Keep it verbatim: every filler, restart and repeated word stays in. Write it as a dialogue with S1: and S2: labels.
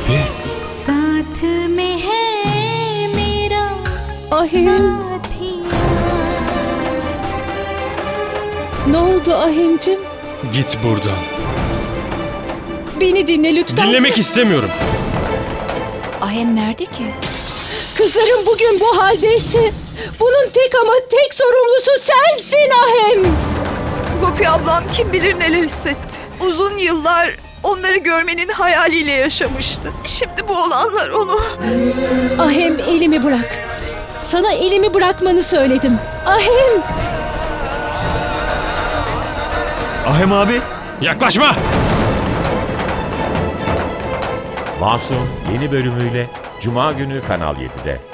S1: Gopi.
S2: साथ में है मेरा
S3: Ahim.
S2: साथिया।
S3: Ne oldu Ahim'cim?
S1: Git buradan.
S3: Beni dinle lütfen.
S1: Dinlemek istemiyorum.
S4: Ahem nerede ki?
S3: Kızlarım bugün bu haldeyse bunun tek ama tek sorumlusu sensin Ahem.
S5: Gopi ablam kim bilir neler hissetti. Uzun yıllar onları görmenin hayaliyle yaşamıştı. Şimdi bu olanlar onu...
S3: Ahem elimi bırak. Sana elimi bırakmanı söyledim. Ahem.
S6: Ahem abi.
S1: Yaklaşma!
S7: Masum yeni bölümüyle Cuma günü Kanal yedide.